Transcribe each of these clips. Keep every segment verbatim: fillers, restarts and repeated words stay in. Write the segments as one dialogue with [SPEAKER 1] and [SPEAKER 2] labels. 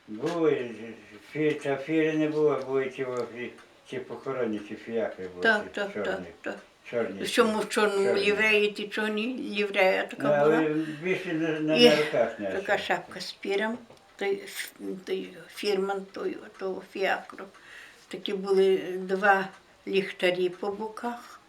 [SPEAKER 1] Були, фі, та фіри не було, були ті, о, фі- ті похоронні, ті фіакри були,
[SPEAKER 2] Так,
[SPEAKER 1] ті
[SPEAKER 2] так, так,
[SPEAKER 1] чорні.
[SPEAKER 2] так.
[SPEAKER 1] Чорні.
[SPEAKER 2] В цьому в чорному
[SPEAKER 1] чорні.
[SPEAKER 2] лівреї, ті чорні ліврея
[SPEAKER 1] Ну,
[SPEAKER 2] така була.
[SPEAKER 1] але більше на, на,
[SPEAKER 2] І
[SPEAKER 1] на руках не
[SPEAKER 2] така шапка з піром, той, ф- той фірман той, того фіакру. Такі були два ліхтарі по боках,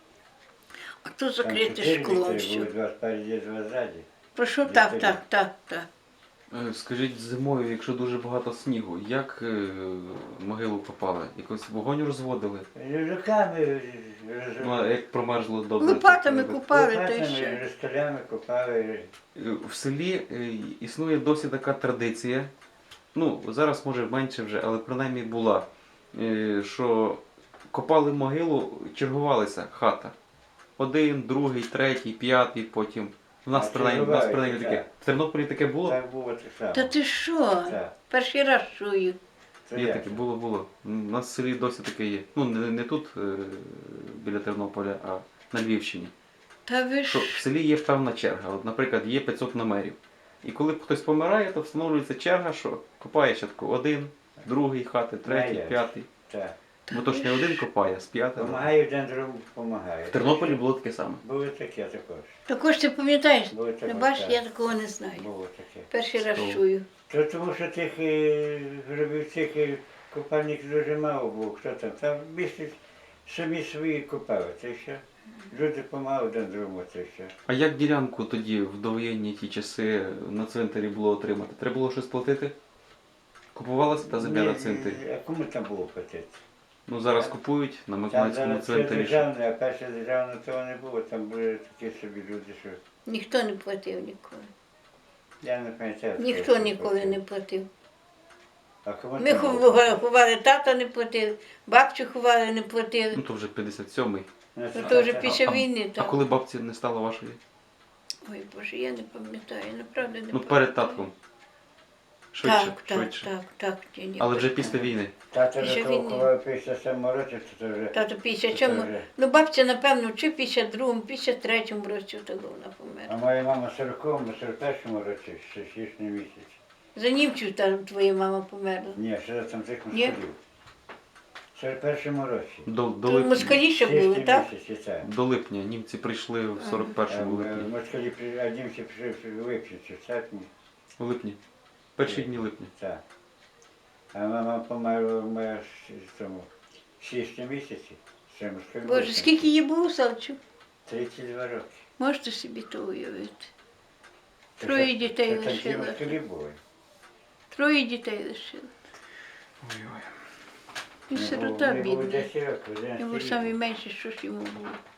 [SPEAKER 2] а то закрите шклом
[SPEAKER 1] Були
[SPEAKER 2] все.
[SPEAKER 1] два спереді, два ззаді.
[SPEAKER 2] Прошу, так,
[SPEAKER 1] ліхтарі.
[SPEAKER 2] так, так, так.
[SPEAKER 3] Е, Скажіть, зимою, якщо дуже багато снігу, як е, могилу копали? Якось вогонь розводили?
[SPEAKER 1] Руками,
[SPEAKER 3] Ну, а як промерзло добре?
[SPEAKER 2] Лопатами
[SPEAKER 3] то, е,
[SPEAKER 2] купали, то й
[SPEAKER 1] лопатами,
[SPEAKER 2] ще.
[SPEAKER 1] розкалями копали.
[SPEAKER 3] Е, В селі е, існує досі така традиція, ну зараз може менше вже, але принаймні була, е, що копали могилу, чергувалися хата. Один, другий, третій, п'ятий, потім. У нас
[SPEAKER 1] А,
[SPEAKER 3] принаймні, у нас
[SPEAKER 1] чергувалися,
[SPEAKER 3] принаймні таке.
[SPEAKER 1] так.
[SPEAKER 3] В Тернополі таке було?
[SPEAKER 1] Так було так само.
[SPEAKER 2] Та ти що?
[SPEAKER 1] Так.
[SPEAKER 2] Перший раз чую.
[SPEAKER 1] Це
[SPEAKER 3] Є
[SPEAKER 1] як?
[SPEAKER 3] таке, було, було. У нас в селі досі таке є. Ну, не, не тут, е, біля Тернополя, а на Львівщині.
[SPEAKER 2] Та ви
[SPEAKER 3] Що
[SPEAKER 2] ж.
[SPEAKER 3] в селі є певна черга. От, наприклад, є п'ятсот номерів. І коли хтось помирає, то встановлюється черга, що копає щатку один, другий хати, третій,
[SPEAKER 1] Знає.
[SPEAKER 3] п'ятий.
[SPEAKER 1] Так.
[SPEAKER 3] Бо то ж не один копає, з п'ятого.
[SPEAKER 1] Помагає один другому, допомагає.
[SPEAKER 3] В Тернополі було таке саме.
[SPEAKER 1] Було таке також.
[SPEAKER 2] Також ти пам'ятаєш?
[SPEAKER 1] Було
[SPEAKER 2] Не
[SPEAKER 1] таке.
[SPEAKER 2] бачиш,
[SPEAKER 1] так.
[SPEAKER 2] я такого не знаю.
[SPEAKER 1] Було таке.
[SPEAKER 2] Перший раз
[SPEAKER 3] Що?
[SPEAKER 2] чую.
[SPEAKER 1] То тому що тих е, гробівців е, копальників дуже мало було. Хто там? Там більше самі свої копали, це що? Люди помагали один другому, це що.
[SPEAKER 3] А як ділянку тоді, в довоєнні ті часи, на цвинтарі було отримати? Треба було щось платити? Купувалася та земля на
[SPEAKER 1] Ні,
[SPEAKER 3] цвинтарі?
[SPEAKER 1] А кому там було платити?
[SPEAKER 3] Ну зараз купують на
[SPEAKER 1] Там
[SPEAKER 3] Миколаївському
[SPEAKER 1] зараз це
[SPEAKER 3] цвинтарі.
[SPEAKER 1] державне, а перше державне того не було. Там були такі собі люди, що
[SPEAKER 2] Ніхто не платив ніколи.
[SPEAKER 1] я не пам'ятаю.
[SPEAKER 2] Ніхто
[SPEAKER 1] хто
[SPEAKER 2] ніколи
[SPEAKER 1] платив.
[SPEAKER 2] не платив.
[SPEAKER 1] А кому
[SPEAKER 2] Ми
[SPEAKER 1] там було
[SPEAKER 2] ховали,
[SPEAKER 1] платити?
[SPEAKER 2] ховали, тата не платив, бабцю ховали, не платили.
[SPEAKER 3] Ну то вже п'ятдесят сьомий.
[SPEAKER 1] Ну,
[SPEAKER 2] Ну,
[SPEAKER 1] це
[SPEAKER 2] то вже
[SPEAKER 1] так.
[SPEAKER 2] після
[SPEAKER 3] а,
[SPEAKER 2] війни
[SPEAKER 3] А
[SPEAKER 2] так.
[SPEAKER 3] коли бабці не стало вашої?
[SPEAKER 2] Ой Боже, я не пам'ятаю, направду не
[SPEAKER 3] Ну
[SPEAKER 2] пам'ятаю.
[SPEAKER 3] перед татком. Швидше,
[SPEAKER 2] Так, так,
[SPEAKER 3] швидше.
[SPEAKER 2] так, так. Ні, ні,
[SPEAKER 3] Але вже
[SPEAKER 2] перед-
[SPEAKER 3] після війни.
[SPEAKER 1] Тато
[SPEAKER 2] Після
[SPEAKER 1] вже
[SPEAKER 2] війни.
[SPEAKER 1] кого після сьомого року, то вже...
[SPEAKER 2] Тато після
[SPEAKER 1] Це
[SPEAKER 2] чому?
[SPEAKER 1] вже.
[SPEAKER 2] Ну бабця, напевно, чи після другому, після третьому році того вона
[SPEAKER 1] А
[SPEAKER 2] померла.
[SPEAKER 1] моя мама в сороковому, сорок першому році, ще січні місяць.
[SPEAKER 2] За німців там твоя мама померла.
[SPEAKER 1] Ні, ще там тих
[SPEAKER 2] Ні?
[SPEAKER 1] москалів. В сорок першому році.
[SPEAKER 3] До, до,
[SPEAKER 2] То
[SPEAKER 3] липня,
[SPEAKER 2] москалі ще були,
[SPEAKER 1] Січні
[SPEAKER 2] так?
[SPEAKER 1] місяці, так.
[SPEAKER 3] до липня німці прийшли в сорок першому
[SPEAKER 1] Е,
[SPEAKER 3] липні.
[SPEAKER 1] Москалі, при- а німці прийшли в липні, чи в серпні,
[SPEAKER 3] У липні. Перші дні липня.
[SPEAKER 1] так. А мама померла в моя в тому січні місяці. Ще москалі.
[SPEAKER 2] Боже, скільки їй було, Савчу?
[SPEAKER 1] тридцять два роки.
[SPEAKER 2] Можете собі то уявити.
[SPEAKER 1] Це
[SPEAKER 2] Троє
[SPEAKER 1] ще-
[SPEAKER 2] дітей
[SPEAKER 1] це Такі
[SPEAKER 2] лишила.
[SPEAKER 1] москалі були.
[SPEAKER 2] Троє дітей лишила.
[SPEAKER 3] Ой-ой.
[SPEAKER 2] І
[SPEAKER 1] Мені
[SPEAKER 2] сирота
[SPEAKER 1] було
[SPEAKER 2] бідна.
[SPEAKER 1] десять років,
[SPEAKER 2] Йому
[SPEAKER 1] одинадцять
[SPEAKER 2] самі
[SPEAKER 1] років.
[SPEAKER 2] менше, що ж йому було.